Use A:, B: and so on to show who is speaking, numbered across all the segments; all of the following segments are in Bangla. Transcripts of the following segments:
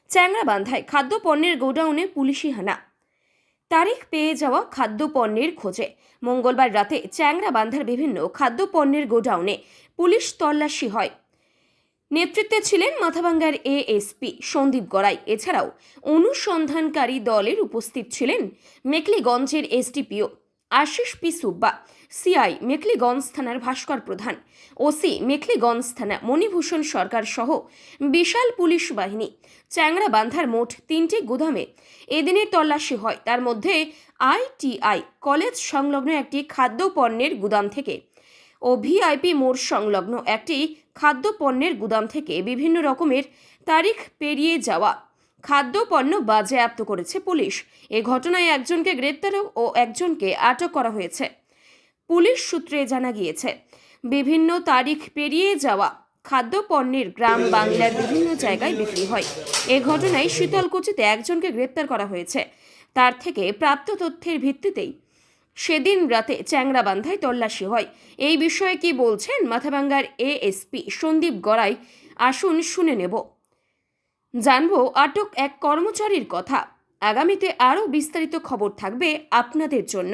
A: চ্যাংড়াবান্ধায় খাদ্যপণ্যের গোডাউনে পুলিশি হানা। তারিখ পেয়ে যাওয়া খাদ্যপণ্যের খোঁজে মঙ্গলবার রাতে চ্যাংড়াবান্ধার বিভিন্ন খাদ্যপণ্যের গোডাউনে পুলিশ তল্লাশি হয়। নেতৃত্বে ছিলেন মাথাভাঙ্গার এএসপি সন্দীপ গড়াই। এছাড়াও অনুসন্ধানকারী দলের উপস্থিত ছিলেন মেখলিগঞ্জের SDPO Ashis P Subba, CI Mekhliganj থানার ভাস্কর প্রধান, ওসি মেখলিগঞ্জ থানা মণিভূষণ সরকার সহ বিশাল পুলিশ বাহিনী। চ্যাংড়াবান্ধার মোট 3টি গুদামে এদিনের তল্লাশি হয়। তার মধ্যে আইটিআই কলেজ সংলগ্ন একটি খাদ্যপণ্যের গুদাম থেকে ও ভিআইপি মোড় সংলগ্ন একটি খাদ্যপণ্যের গুদাম থেকে বিভিন্ন রকমের তারিখ পেরিয়ে যাওয়া খাদ্যপণ্য বাজেয়াপ্ত করেছে পুলিশ। এ ঘটনায় একজনকে গ্রেপ্তার ও একজনকে আটক করা হয়েছে। পুলিশ সূত্রে জানা গিয়েছে, বিভিন্ন তারিখ পেরিয়ে যাওয়া খাদ্যপণ্যের গ্রাম বাংলার বিভিন্ন জায়গায় বিক্রি হয়। এ ঘটনায় শীতলকুচিতে একজনকে গ্রেপ্তার করা হয়েছে। তার থেকে প্রাপ্ত তথ্যের ভিত্তিতেই সেদিন রাতে চ্যাংড়াবান্ধায় তল্লাশি হয়। এই বিষয়ে কি বলছেন মাথাভাঙ্গার এএসপি সন্দীপ গড়াই, আসুন শুনে নেব। জানবো আটক এক কর্মচারীর কথা। আগামীতে আরও বিস্তারিত খবর থাকবে আপনাদের জন্য।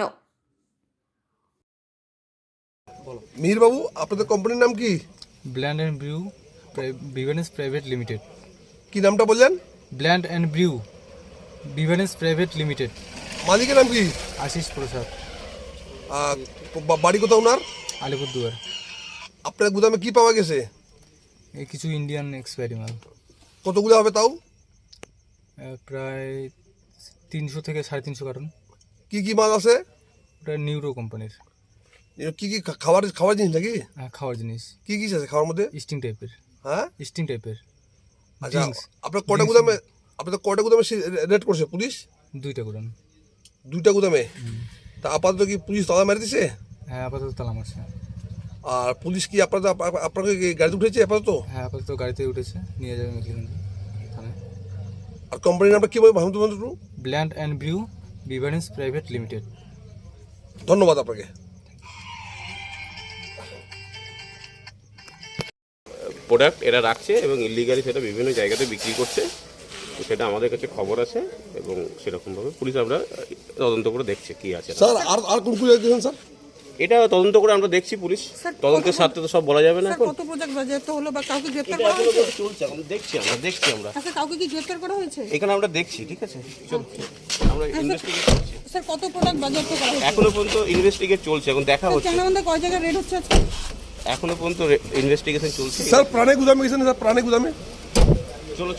B: মিহির বাবু, আপনাদের কোম্পানির নাম কি?
C: Blend and Brew Beverages private limited.
B: কি নামটা বললেন?
C: Blend and Brew Beverages private limited.
B: মালিকের নাম কি?
C: আশিস প্রসাদ।
B: বাড়ি কোথাও ওনার?
C: আলিপুরদুয়ার।
B: আপনার গুদামে কি পাওয়া গেছে?
C: এই কিছু ইন্ডিয়ান এক্সপায়ারি মাল।
B: কতগুলো হবে তাও?
C: প্রায় 300 থেকে 350 কার্টন।
B: কি কি মাল আছে?
C: ওটা নিউরো কোম্পানির।
B: কি কি খাবার জিনিস নাকি?
C: হ্যাঁ, খাওয়ার জিনিস।
B: কি কি আছে খাওয়ার মধ্যে?
C: স্টিং টাইপের।
B: হ্যাঁ,
C: স্টিং টাইপের।
B: আচ্ছা, আপনার কটা গুদামে রেড করছে পুলিশ?
C: 2টা গুদাম।
B: 2টা গুদামে? তা আপাতত কি পুলিশ তালা মেরে দিছে?
C: হ্যাঁ, আপাতত তালা মারছে।
B: আর পুলিশ কি আপনাকে গাড়িতে উঠেছে আপাতত?
C: হ্যাঁ, আপাতত গাড়িতে উঠেছে, নিয়ে যাবে মেখলিগঞ্জ থানায়।
B: আর কোম্পানির নামটা কি বলবো ভাবতে বলুন?
C: Blend and Brew Beverages private limited.
B: ধন্যবাদ আপনাকে।
D: প্রোডাক্ট এরা রাখছে এবং ইলিগালি সেটা বিভিন্ন জায়গাতে বিক্রি করছে, সেটা আমাদের কাছে খবর আছে এবং সেরকমভাবে পুলিশ আমরা তদন্ত করে দেখছে কি আছে।
B: স্যার আর কোন পুলিশ দেখেন স্যার?
D: এটা তদন্ত করে আমরা দেখছি, পুলিশ তদন্তের স্বার্থে তো সব বলা যাবে না। এখন
E: কত প্রজেক্ট বাজেয়াপ্ত হলো বা কাউকে গ্রেফতার
D: এটা
E: করা
D: এখনো
E: হয়েছে?
D: চলছে, এখন দেখছি আমরা।
E: আচ্ছা, কাউকে কি গ্রেফতার করা হয়েছে?
D: এখানে আমরা দেখছি, ঠিক আছে, চলছে, আমরা ইনভেস্টিগেট করছি।
E: স্যার, কত প্রোডাক্ট বাজেয়াপ্ত করা হয়েছে?
D: এখনো পর্যন্ত ইনভেস্টিগেট চলছে, এখন দেখা হচ্ছে।
E: চ্যাংড়াবান্ধা কয় জায়গায় রেড হচ্ছে আজকে?
D: এখনো পর্যন্ত ইনভেস্টিগেশন চলছে।
B: স্যার প্রাণে গুদামে গেছেন? স্যার প্রাণে গুদামে
D: চলো।